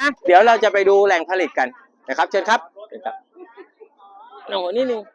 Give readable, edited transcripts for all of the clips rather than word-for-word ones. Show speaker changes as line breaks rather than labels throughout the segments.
เดี๋ยวเราจะไปดูแหล่งผลิตกันนะครับเชิญครับเชิญครับโอ้โหนิดนึง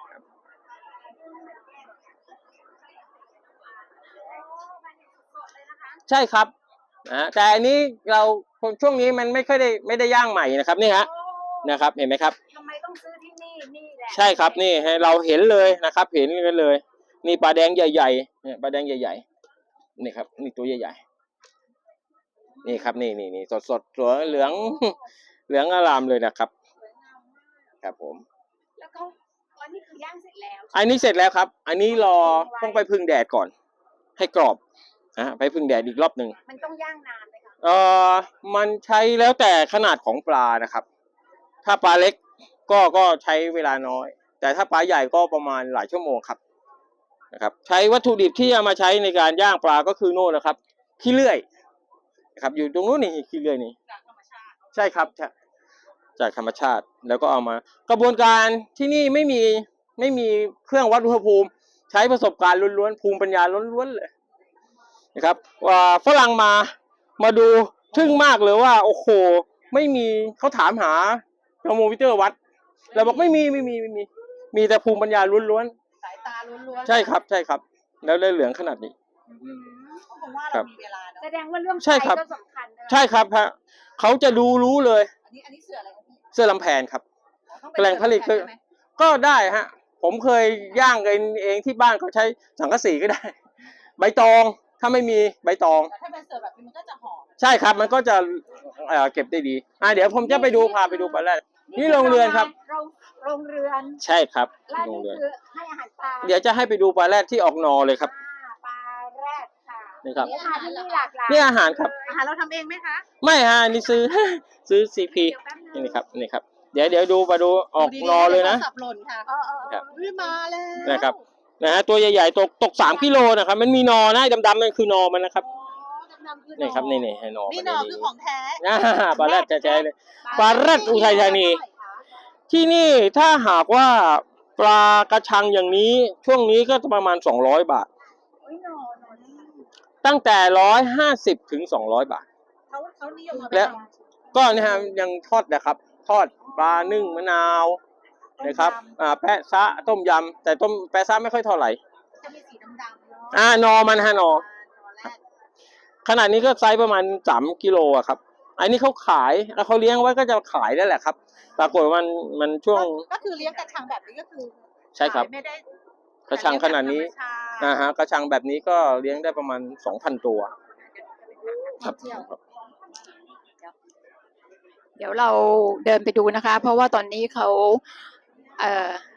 ใช่ครับแต่อันนี้เราช่วงนี้มันไม่ค่อยไม่ได้ย่างใหม่นะครับนี่ฮะนะครับเห็นไหมครับ
ทำไมต้องซื้อที่นี่นี่แหละ
ใช่ครับนี่ให้เราเห็นเลยนะครับเห็นกันเลยนี่ปลาแดงใหญ่ๆเนี่ยปลาแดงใหญ่ๆนี่ครับนี่ตัวใหญ่ๆนี่ครับนี่สดสวยเหลืองอารามเลยนะครับครับผม
แล้วก็อันนี้คือย่างเสร็จแล้ว
อันนี้เสร็จแล้วครับอันนี้รอต้องไปพึ่งแดดก่อนให้กรอบไปพึ่งแดดอีกรอบหนึ่ง
มันต้องย่างนานไหมคะ
มันใช้แล้วแต่ขนาดของปลานะครับถ้าปลาเล็กก็ใช้เวลาน้อยแต่ถ้าปลาใหญ่ก็ประมาณหลายชั่วโมงครับนะครับใช้วัตถุดิบที่เอามาใช้ในการย่างปลาก็คือโน่นนะครับขี้เลื่อยนะครับอยู่ตรงนู้นนี่ขี้เลื่อยนี่
จากธรรมชาติ
ใช่ครับจากธรรมชาติแล้วก็เอามากระบวนการที่นี่ไม่มีเครื่องวัดอุณหภูมิใช้ประสบการณ์ล้วนๆภูมิปัญญาล้วนๆเลยนะครับว่าฝรั่งมาดูทึ่งมากเลยว่าโอ้โหไม่มีเขาถามหาเทอร์โมมิเตอร์วัดเราบอกไม่มีแต่ภูมิปัญญาล้วน
ๆสายตาล้วน
ๆใช่ครับแล้วเลยเหลืองขนาดนี้
ผมว่าเรามีเวลาแสดงว่าเรื่องไฟก็สำคัญ
ใช่ครับฮะเขาจะรู้เลย
อันนี้เสื้ออะไรครับ
เสื้อลำแพนครับแหล่งผลิตคือก็ได้ฮะผมเคยย่างเองที่บ้านเขาใช้สังกะสีก็ได้ใบตองถ้าไม่มีใบตอง
ถ้าเป็นเสื้อแบบนี้มันก็จะหอม
ใช่ครับมันก็จะเก็บได้ดีเดี๋ยวผมจะไปดูพาไปดูปลาแรดนี่โรงเรือนครับ
โรงเรือน
ใช่ครับ
โรงเรือนให้อาหารปลา
เดี๋ยวจะให้ไปดูปลาแรดที่ออกนอเลยครับ
ปลาแรดค่ะ
นี่ครับ
ที่นี่หลากหลาย
นี่อาหารครับ
อาหารเราทำเองไหมคะ
ไม่ฮะนี่ซื้อซีพีนี่ครับเดี๋ยวดูมาดูออกนอเลยนะ
สับหล่นค่ะมาแล้ว
นะครับตัวใหญ่ๆตก3 กิโลนะครับมันมีนอนะดำๆนั่นคือนอมันนะครับนี่ครับนี่ให้นอ
นี่นอคือของแท้
ปลาแรดแท้ๆเลยปลาแรดอุทัยธานีที่นี่ถ้าหากว่าปลากระชังอย่างนี้ช่วงนี้ก็ประมาณ200 บาทตั้งแต่150 ถึง 200 บาท
เขานิยม
และก็นะฮะยังทอดนะครับทอดปลานึ่งมะนาวนะครับแปะซะต้มยำแต่ต้มแปะซะไม่ค่อยเท่าไหร่
จะมีสีดำ
ๆนอมันฮะนอขนาดนี้ก็ไซส์ประมาณ3 กิโลอะครับอันนี้เขาขายแล้วเขาเลี้ยงไว้ก็จะขายได้แหละครับปรากฏมันช่วง
ก็คือเลี้ยงกระชังแบบนี้ก็คือ
ใช่ครับกระชังขนาดนี้กระชังแบบนี้ก็เลี้ยงได้ประมาณ 2,000 ตัวครับ
เดี๋ยวเราเดินไปดูนะคะเพราะว่าตอนนี้เขา